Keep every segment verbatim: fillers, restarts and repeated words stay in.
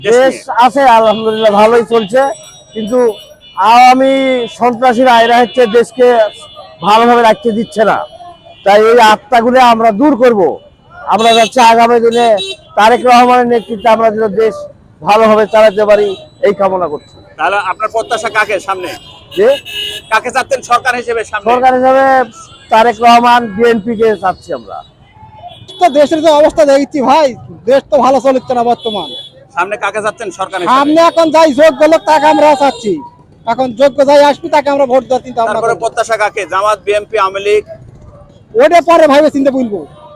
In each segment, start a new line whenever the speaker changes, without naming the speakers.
দেশ আছে আলহামদুলিল্লাহ ভালোই চলছে, কিন্তু আওয়ামী সন্ত্রাসীরা এরা হচ্ছে দেশকে ভালোভাবে রাখতে দিচ্ছে না। তাই এই আত্মাগুলো আমরা দূর করব। আমরা যাচ্ছি আগামী দিনে তারেক রহমানের নেতৃত্বে আমরা যেন দেশ ভালোভাবে চালাতে পারি এই কামনা করছি।
তাহলে আপনার প্রত্যাশা কাকে সামনে,
যে
কাকে চাচ্ছেন সরকার হিসেবে সামনে?
সরকার হিসাবে তারেক রহমান, বিএনপি কে চাচ্ছি আমরা।
তো দেশের যে অবস্থা দেখছি ভাই, দেশ তো ভালো চলছে না বর্তমান।
সামনে কাকে চাচ্ছেন সরকার
সামনে
হিসেবে?
এখন যাই যোগ্য লোক তাকে আমরা চাচ্ছি, এখন যোগ্য যাই আসবি তাকে আমরা ভোট দেওয়ার চিন্তা ভাবনা
তারপরে
করবো।
প্রত্যাশা কাকে? জামাত, বিএনপি, আওয়ামী লীগ?
ওটা পরে ভাইবে চিন্তা বলবো।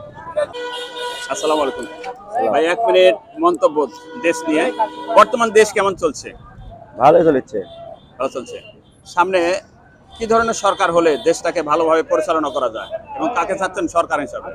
আসসালামু আলাইকুম ভাই, এক মিনিট মন্তব্য দেশ নিয়ে। বর্তমান দেশ কেমন চলছে?
ভালোই চলেছে।
ভালো চলছে। সামনে কি ধরনের সরকার হলে দেশটাকে ভালোভাবে পরিচালনা করা যায় এবং কাকে চাচ্ছেন সরকার হিসাবে?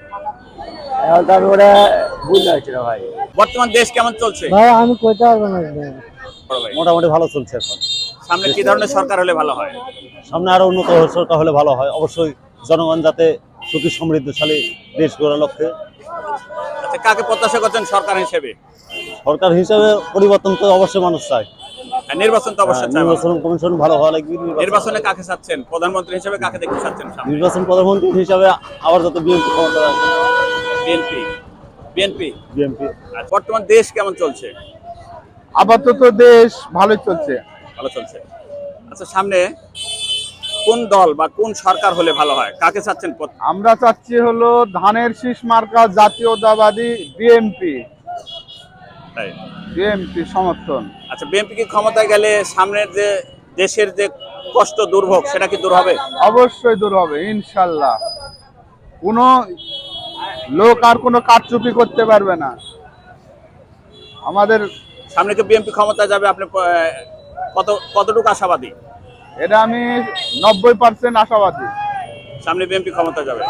এখন তো আমি ওটা বুঝতে পারছি না ভাই।
বর্তমান দেশ কেমন চলছে?
ভাই আমি কইতে পারবো না।
বড় ভাই,
মোটামুটি ভালো চলছে এখন।
সামনে কি ধরনের সরকার হলে ভালো হয়?
সামনে আরো উন্নত সরকার হলে ভালো হয়, অবশ্যই জনগণ যাতে সুখী সমৃদ্ধশালী দেশ গড়ার লক্ষ্যে।
আচ্ছা, কাকে প্রত্যাশা করছেন সরকার হিসেবে?
সরকার হিসাবে পরিবর্তন তো অবশ্যই মানুষ চায়।
আর নির্বাচন তো অবশ্যই চাই।
নির্বাচন কমিশন ভালো হওয়া লাগবে।
নির্বাচনে কাকে চাচ্ছেন? প্রধানমন্ত্রী হিসেবে কাকে দেখতে চাচ্ছেন সামনে?
নির্বাচন প্রধানমন্ত্রী হিসাবে আবার যাতে বিএনপি ক্ষমতা আসে।
BNP BNP
BNP.
আর বর্তমান দেশ কেমন চলছে?
আপাতত দেশ ভালোই চলছে।
ভালো চলছে। আচ্ছা, সামনে কোন দল বা কোন সরকার হলে ভালো হয়? কাকে চাচ্ছেন?
আমরা চাচ্ছি হলো ধানের শীষ মার্কা জাতীয়তাবাদী বিএনপি।
তাই।
বিএনপি সমর্থন।
আচ্ছা, বিএনপি কি ক্ষমতায় গেলে সামনের যে দেশের যে কষ্ট দুর্ভোগ সেটা কি দূর হবে?
অবশ্যই দূর হবে ইনশাল্লাহ। কোনো লোক আর কোনো কারচুপি করতে পারবে না। আমাদের
সামনে কি বিএনপি ক্ষমতায় যাবে? আপনি আহ, কত কতটুকু আশাবাদী?
এটা আমি নব্বই পার্সেন্ট আশাবাদী।
সামনে বিএনপি ক্ষমতা যাবে।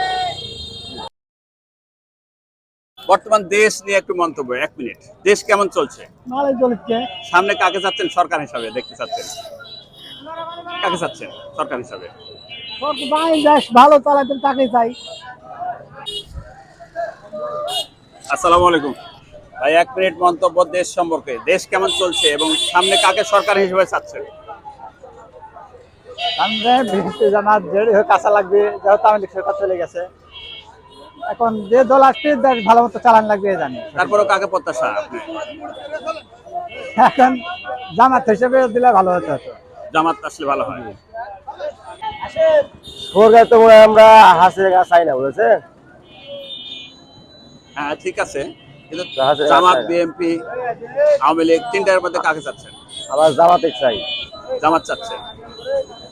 বর্তমান দেশ নিয়ে একটু মন্তব্য, এক মিনিট। দেশ কেমন চলছে?
ভালোই চলছে।
সামনে কাকে চাচ্ছেন সরকার হিসাবে দেখতে চাচ্ছেন? কাকে চাচ্ছেন সরকার হিসাবে?
ভাই দেশ ভালো চালাতে তাকে চাই।
আসসালামু আলাইকুম ভাই, এক মিনিট মন্তব্য দেশ সম্পর্কে। দেশ কেমন চলছে এবং সামনে কাকে সরকার হিসেবে চাচ্ছেন?
সামনে ভিত্তি জানা দেরি হয়ে কাঁচা লাগবে, যেহেতু আমি সরকার চলে গেছে। এখন যে দল আসছে দেশ ভালো মতো চালান লাগবে জানি।
তারপরেও কাকে প্রত্যাশা আপনি?
এখন জামাত হিসেবে দিলে ভালো হতো।
জামাত আসলে ভালো হয়।
সরকার তো মনে হয় আমরা হাসির গা চাই না, বুঝেছে?
হ্যাঁ ঠিক আছে, কিন্তু
জাহাজের
জামাত,
রাস্তায়।
বিএনপি, আওয়ামী লীগ তিনটার মধ্যে কাকে চাচ্ছেন?
আবার জামাতে চাই।
জামাত চাচ্ছেন।